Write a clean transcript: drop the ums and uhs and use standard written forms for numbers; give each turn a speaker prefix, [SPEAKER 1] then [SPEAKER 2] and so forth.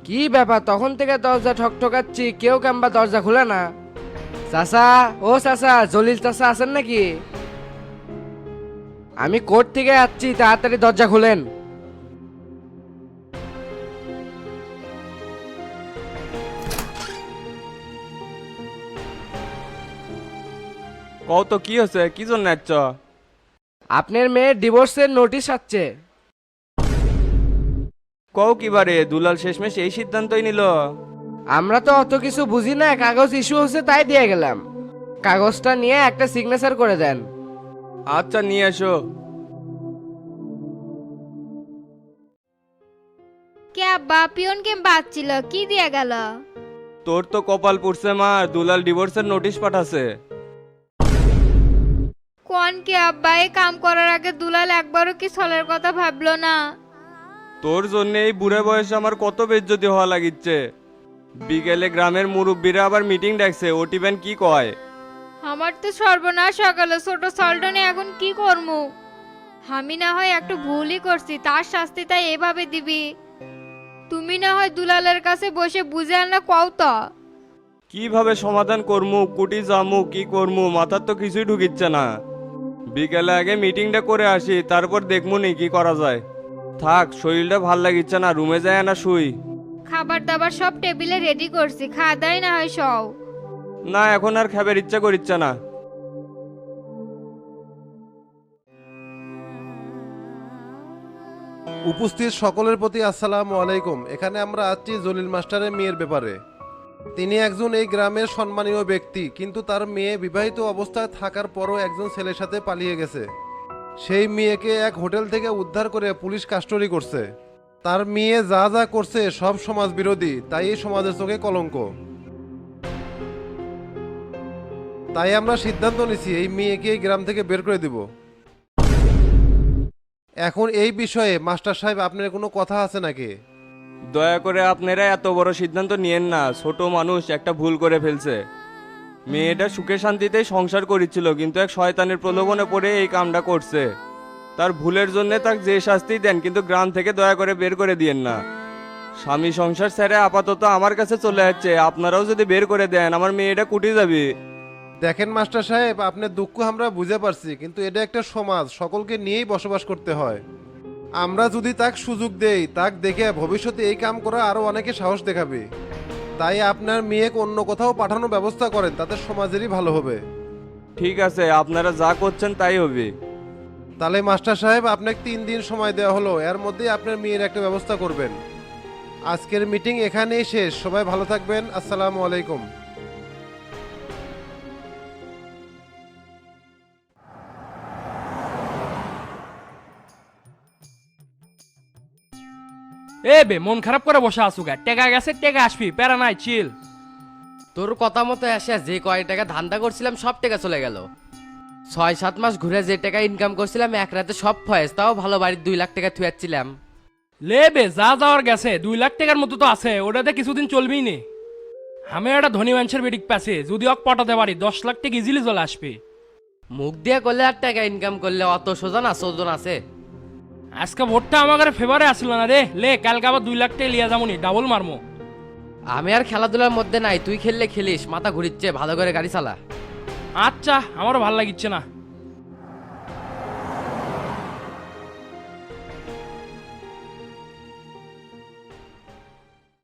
[SPEAKER 1] কি ব্যাপার, তখন থেকে দরজা ঠকঠকাচ্ছি, কেউ কেমবা দরজা খুলে না। চাচা, ও চাচা, জলিল চাচা আছেন নাকি? আমি কোর্ট থেকে যাচ্ছি, তাড়াতাড়ি দরজা খুলেন।
[SPEAKER 2] কও তো কি হচ্ছে, কি জন্য আসছ?
[SPEAKER 1] আপনার মেয়ের ডিভোর্সের নোটিশ আসছে।
[SPEAKER 2] কও কি বারে, দুলাল শেষমেশ এই সিদ্ধান্তই নিল?
[SPEAKER 1] আমরা তো অত কিছু বুঝি না, কাগজ ইস্যু হচ্ছে তাই দিয়ে গেলাম। কাগজটা নিয়ে একটা সিগনেচার করে দেন।
[SPEAKER 2] আচ্ছা নিয়ে এসো।
[SPEAKER 3] কে আব্বা পিয়নকে বাঁচছিল কি দিয়া গেল?
[SPEAKER 2] তোর তো কপাল পুড়ছে মা, দুলাল ডিভোর্সের নোটিশ পাঠাছে।
[SPEAKER 3] কোন কে আব্বা এই কাম করার আগে দুলাল একবারও কি ছলের কথা ভাবলো না?
[SPEAKER 2] তোর জন্য এই বুড়ে বয়সে আমার কত বেজ্জতি হওয়া লাগিচ্ছে। বিকেলে গ্রামের মুরব্বীরা আবার মিটিং ডাকছে, ওটিবেন কি কয়?
[SPEAKER 3] আমার তো সর্বনাশ সকালে ছোট সল্টনে এখন কি করমু? আমি না হয় একটু ভুলই করছি, তার শাস্তি তাই এভাবে দিবি? তুমি না হয় দুলালের কাছে বসে বুঝে আনা কও তো।
[SPEAKER 2] কিভাবে সমাধান করমু, কুটি জামু, কি করমু, মাথার তো কিছুই ঢুকিচ্ছে না। বিকেলে আগে মিটিংটা করে আসি, তারপর দেখমু নি কি করা যায়। থাক, শরীরটা ভাল লাগিচ্ছে না, রুমে যায় না শুই।
[SPEAKER 3] খাবার দাবার সব টেবিলে রেডি করছি, খাওয়া দাওয়াই না হয় সব।
[SPEAKER 2] না, এখন আর খাবার ইচ্ছা করিচ্ছে না।
[SPEAKER 4] উপস্থিত সকলের প্রতি আসসালামু আলাইকুম। এখানে আমরা আছি জলিল মাস্টারের মেয়ের ব্যাপারে। তিনি একজন এই গ্রামের সম্মানীয় ব্যক্তি, কিন্তু তার মেয়ে বিবাহিত অবস্থায় থাকার পরও একজন ছেলের সাথে পালিয়ে গেছে। সেই মেয়েকে এক হোটেল থেকে উদ্ধার করে পুলিশ কাস্টডি করছে। তার মেয়ে যা যা করছে সব সমাজ বিরোধী, তাই এই সমাজের চোখে কলঙ্ক। তাই আমরা সিদ্ধান্ত নিছি এই মেয়েকে এই গ্রাম থেকে বের করে দিব। এখন এই বিষয়ে মাস্টার সাহেব আপনার কোনো কথা আছে নাকি?
[SPEAKER 2] দয়া করে আপনারা এত বড় সিদ্ধান্ত নিয়েন না, ছোট মানুষ একটা ভুল করে ফেলছে। মেয়েটা সুখে শান্তিতেই সংসার করেছিল, কিন্তু এক শয়তানের প্রলোভনে পড়ে এই কামটা করছে। তার ভুলের জন্য তাকে যে শাস্তি দেন, কিন্তু গ্রাম থেকে দয়া করে বের করে দিয়েন না। স্বামী সংসার ছেড়ে আপাতত আমার কাছে চলে যাচ্ছে, আপনারাও যদি বের করে দেন আমার মেয়েটা কুটি যাবে।
[SPEAKER 4] দেখেন মাস্টার সাহেব, আপনার দুঃখ আমরা বুঝে পারছি, কিন্তু এটা একটা সমাজ, সকলকে নিয়েই বসবাস করতে হয়। আমরা যদি তাক সুযোগ দেই, তাক দেখে ভবিষ্যতে এই কাম করা আরো অনেকে সাহস দেখাবে। তাই আপনার মেয়েকে অন্য কোথাও পাঠানোর ব্যবস্থা করেন, তাতে সমাজেরই ভালো হবে।
[SPEAKER 2] ঠিক আছে, আপনারা যা করছেন তাই হবে।
[SPEAKER 4] তাহলে মাস্টার সাহেব, আপনাকে 3 দিন সময় দেওয়া হলো, এর মধ্যেই আপনার মেয়ের একটা ব্যবস্থা করবেন। আজকের মিটিং এখানেই শেষ, সবাই ভালো থাকবেন। আসসালামু আলাইকুম।
[SPEAKER 5] এ বে মন খারাপ করে বসে আসুগা, টেকা গেছে টেকা আসবি, প্যারা নাই, চিল।
[SPEAKER 1] তোর কথা মতো এসে যে কয় টাকা ধান্দা করছিলাম সব টাকা চলে গেল। 6-7 মাস ঘুরে যে টাকা ইনকাম করছিলাম এক রাতে সব ফয়েজ, তাও ভালো বাড়ির 2 লাখ টাকা থুয়াচ্ছিলাম।
[SPEAKER 5] লে বে যা যাওয়ার গেছে, 2 লাখ টাকার মতো তো আছে, ওটাতে কিছুদিন চলবেই নে। আমি একটা ধনী মানুষের বেডিক পাচ্ছি, যদি অক পটাতে পারি 10 লাখ টাকা ইজিলি চলে আসবে।
[SPEAKER 1] মুখ দিয়ে করলে আর টাকা ইনকাম করলে অত সোজা না, সোজন আছে।
[SPEAKER 5] আজকে ভোটটা আমার ফেভারে আসলো না রে, লে কালকে আবার 2 লাখ টাকা লিয়া যাবনি, ডাবল মারমো।
[SPEAKER 1] আমি আর খেলাধুলার মধ্যে নাই, তুই খেললে খেলিস, মাথা ঘুরিচ্ছে, ভালো করে গাড়ি চালা।
[SPEAKER 5] আচ্ছা, আমারও ভাল লাগিচ্ছে না।